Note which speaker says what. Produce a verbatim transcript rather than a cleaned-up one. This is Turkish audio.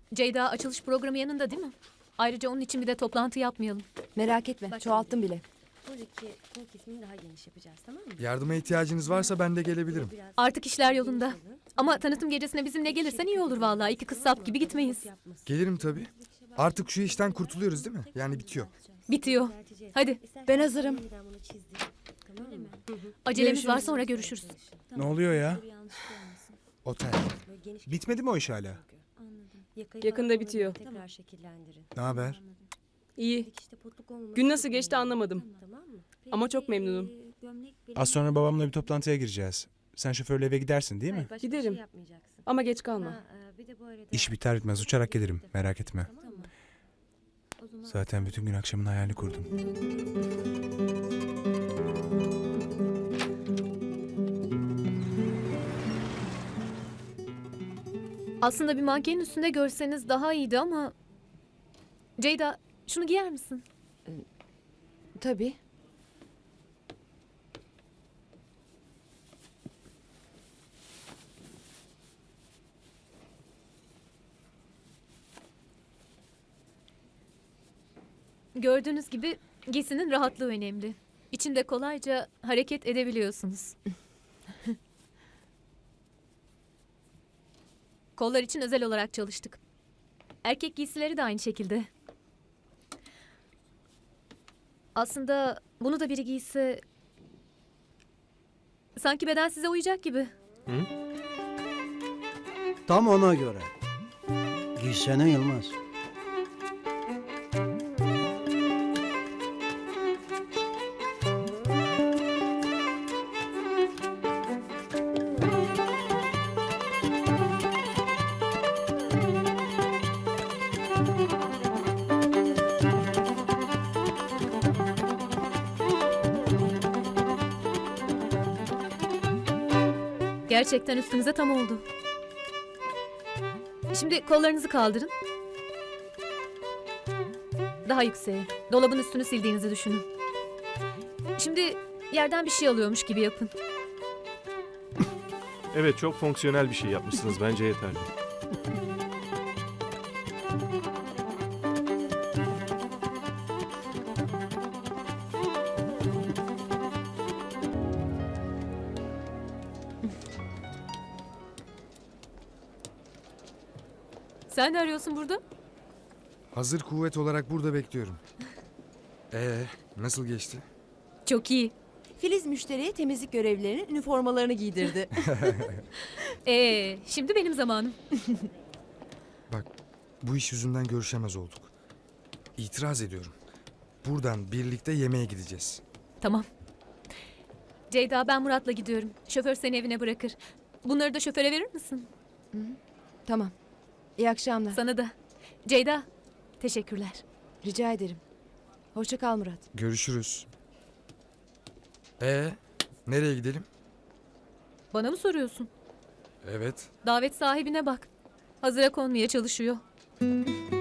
Speaker 1: Ceyda açılış programı yanında değil mi? Ayrıca onun için bir de toplantı yapmayalım.
Speaker 2: Merak etme, çoğalttım bile.
Speaker 3: Buradaki kol kesimini daha geniş yapacağız, tamam mı?
Speaker 4: Yardıma ihtiyacınız varsa ben de gelebilirim.
Speaker 3: Biraz
Speaker 1: Artık işler yolunda. Ama tanıtım gecesine bizimle gelirsen iyi olur vallahi. İki kız sap gibi gitmeyiz.
Speaker 4: Gelirim tabii. Artık şu işten kurtuluyoruz değil mi? Yani bitiyor.
Speaker 1: Bitiyor. Hadi.
Speaker 2: Ben hazırım.
Speaker 1: Acelemiz var, sonra görüşürüz.
Speaker 5: Ne oluyor ya?
Speaker 4: Otel.
Speaker 5: Bitmedi mi o iş hala?
Speaker 6: Yakında bitiyor.
Speaker 3: Tekrar şekillendirin.
Speaker 4: Ne haber?
Speaker 6: İyi.
Speaker 3: Dikişte potluk olmaması
Speaker 6: Gün nasıl
Speaker 3: çok
Speaker 6: geçti
Speaker 3: önemli.
Speaker 6: anlamadım.
Speaker 3: Tamam mı?
Speaker 6: Ama çok memnunum.
Speaker 5: Az sonra babamla bir toplantıya gireceğiz. Sen şoförle eve gidersin değil mi?
Speaker 3: Hayır, başka bir
Speaker 6: Giderim.
Speaker 3: şey yapmayacaksın.
Speaker 6: Ama geç kalma.
Speaker 3: Ha, e, bir de bu arada-
Speaker 5: İş biter bitmez uçarak gelirim. Merak etme.
Speaker 3: Tamam mı? O zaman-
Speaker 5: Zaten bütün gün akşamın hayalini kurdum.
Speaker 1: Aslında bir mankenin üstünde görseniz daha iyiydi ama... Ceyda, şunu giyer misin?
Speaker 2: Tabii.
Speaker 1: Gördüğünüz gibi giysinin rahatlığı önemli. İçinde kolayca hareket edebiliyorsunuz. Kollar için özel olarak çalıştık. Erkek giysileri de aynı şekilde. Aslında bunu da biri giyse... Sanki beden size uyacak gibi.
Speaker 7: Tam ona göre. Giysene Yılmaz.
Speaker 1: Gerçekten üstünüze tam oldu. Şimdi kollarınızı kaldırın. Daha yükseğe. Dolabın üstünü sildiğinizi düşünün. Şimdi yerden bir şey alıyormuş gibi yapın.
Speaker 8: Evet, çok fonksiyonel bir şey yapmışsınız. Bence yeterli.
Speaker 1: Sen ne arıyorsun burada?
Speaker 4: Hazır kuvvet olarak burada bekliyorum. Ee, nasıl geçti?
Speaker 1: Çok iyi.
Speaker 2: Filiz müşteriye temizlik görevlilerinin üniformalarını giydirdi.
Speaker 1: Ee, şimdi benim zamanım.
Speaker 4: Bak, bu iş yüzünden görüşemez olduk. İtiraz ediyorum. Buradan birlikte yemeğe gideceğiz.
Speaker 1: Tamam. Ceyda, ben Murat'la gidiyorum. Şoför seni evine bırakır. Bunları da şoföre verir misin?
Speaker 2: Tamam. İyi akşamlar.
Speaker 1: Sana da. Ceyda, teşekkürler.
Speaker 2: Rica ederim. Hoşça kal Murat.
Speaker 4: Görüşürüz. Ee, nereye gidelim?
Speaker 1: Bana mı soruyorsun?
Speaker 4: Evet.
Speaker 1: Davet sahibine bak. Hazıra konmaya çalışıyor.